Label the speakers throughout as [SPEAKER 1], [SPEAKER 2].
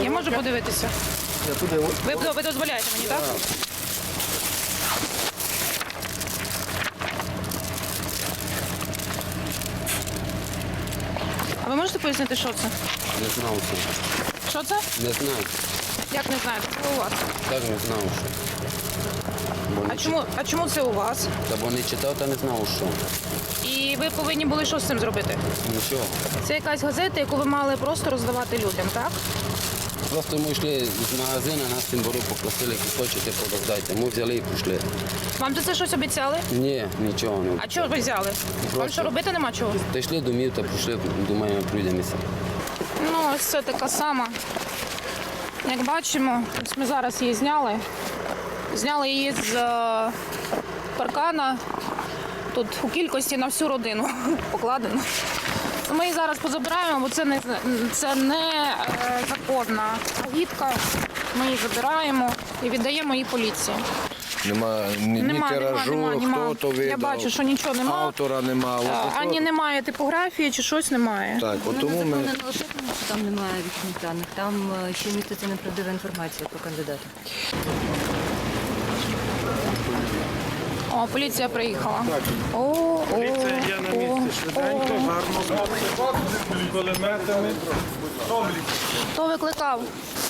[SPEAKER 1] Я можу подивитися?
[SPEAKER 2] Я туди.
[SPEAKER 1] Ви дозволяєте мені, так? А ви можете пояснити, що це?
[SPEAKER 2] Не знав що.
[SPEAKER 1] Що це?
[SPEAKER 2] Не знаю.
[SPEAKER 1] Як не знаєте? Це у вас.
[SPEAKER 2] Так не знав що. Бо не
[SPEAKER 1] А чому це у вас?
[SPEAKER 2] Та бо не читав та не знав що.
[SPEAKER 1] І ви повинні були що з цим зробити?
[SPEAKER 2] Нічого.
[SPEAKER 1] Це якась газета, яку ви мали просто роздавати людям, так?
[SPEAKER 2] Просто ми йшли з магазину, нас тим бору попросили, які хочете, роздайте. Ми взяли і пішли.
[SPEAKER 1] Вам за це щось обіцяли?
[SPEAKER 2] Ні, нічого не.
[SPEAKER 1] А чого ви взяли? Вам
[SPEAKER 2] Просто.
[SPEAKER 1] що робити нема чого?
[SPEAKER 2] Та йшли домів та прийшли, думаємо, прийдемося.
[SPEAKER 1] Ну, ось це така сама. Як бачимо, ось ми зараз її зняли. Зняли її з паркана. Тут у кількості на всю родину покладено. Ми її зараз позабираємо, бо це не законна агітка. Ми її забираємо і віддаємо її поліції.
[SPEAKER 3] Нема ні тиражу, хто то видав.
[SPEAKER 1] Я бачу, що нічого немає.
[SPEAKER 3] Автора нема.
[SPEAKER 1] Ані немає типографії, чи щось немає.
[SPEAKER 3] Так, от тому ми...
[SPEAKER 4] Не лише тому, що там немає вічних даних, там ще міститься неправдива інформація про кандидата.
[SPEAKER 1] О, поліція приїхала.
[SPEAKER 5] Поліція є на місці швиденько, гарно. З кулеметами.
[SPEAKER 1] Хто викликав?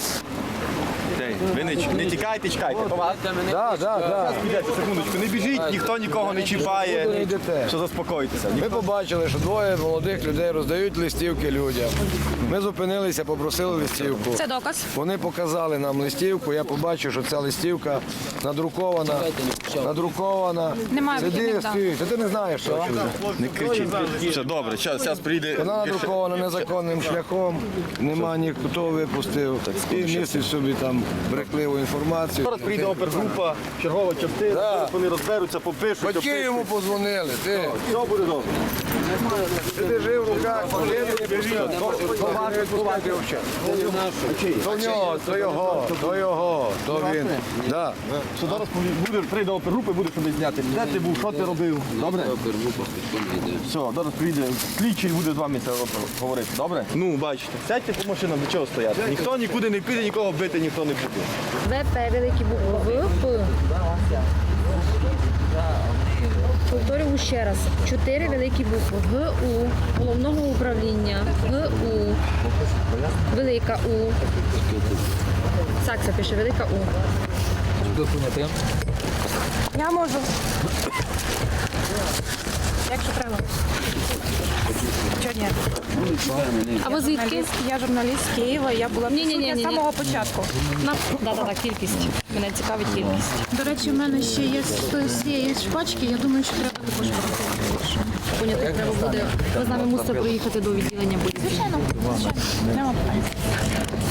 [SPEAKER 6] Ви не тікайте, чекайте.
[SPEAKER 3] Так.
[SPEAKER 6] Підете, секундочку, не біжіть, ніхто нікого не
[SPEAKER 3] Куди
[SPEAKER 6] чіпає.
[SPEAKER 3] йдете?
[SPEAKER 6] Що заспокойтеся.
[SPEAKER 3] Ми побачили, що двоє молодих людей роздають листівки людям. Ми зупинилися, попросили листівку.
[SPEAKER 1] Це доказ.
[SPEAKER 3] Вони показали нам листівку, я побачив, що ця листівка надрукована.
[SPEAKER 1] Немає
[SPEAKER 3] Сиди,
[SPEAKER 1] вихідних даних.
[SPEAKER 3] стій. Та ти не знаєш, що це.
[SPEAKER 6] Не кричіть. Все, добре, зараз прийде.
[SPEAKER 3] Вона надрукована незаконним шляхом, нема ніхто випустив і містить собі там брехливу інформацію.
[SPEAKER 6] Зараз прийде опергрупа, чергова частина,
[SPEAKER 3] Да.
[SPEAKER 6] зараз вони розберуться, попишуть.
[SPEAKER 3] Батьки йому подзвонили, ти.
[SPEAKER 6] Все буде добре.
[SPEAKER 3] Ти держи в руках, то нього, то його, то він. Да.
[SPEAKER 6] Що зараз прийде опергрупа і буде собі зняти. Де ти був, що ти робив? Добре? Все, зараз прийде слідчий і буде з вами це говорити. Добре? Ну, бачите. Сядьте по машинам, до чого стояти. Ніхто нікуди не піде, нікого бити ніхто не буде.
[SPEAKER 4] ВП, великі букви ВП. Повторюю ще раз. 4 великі букви. ГУ, головного управління, ГУ, велика У. Сакса пише, велика У.
[SPEAKER 1] Я можу. Якщо треба. Чого ні?
[SPEAKER 4] А ви звідки?
[SPEAKER 1] Я журналіст з Києва, я була присутня з самого початку.
[SPEAKER 4] Да, кількість. Мене цікавить кількість.
[SPEAKER 1] До речі, в мене ще є з цієї шпачки, я думаю, що треба також порахувати.
[SPEAKER 4] Поняти, треба буде. Ви з нами мусите проїхати до відділення поліції.
[SPEAKER 1] Звичайно, нема питань.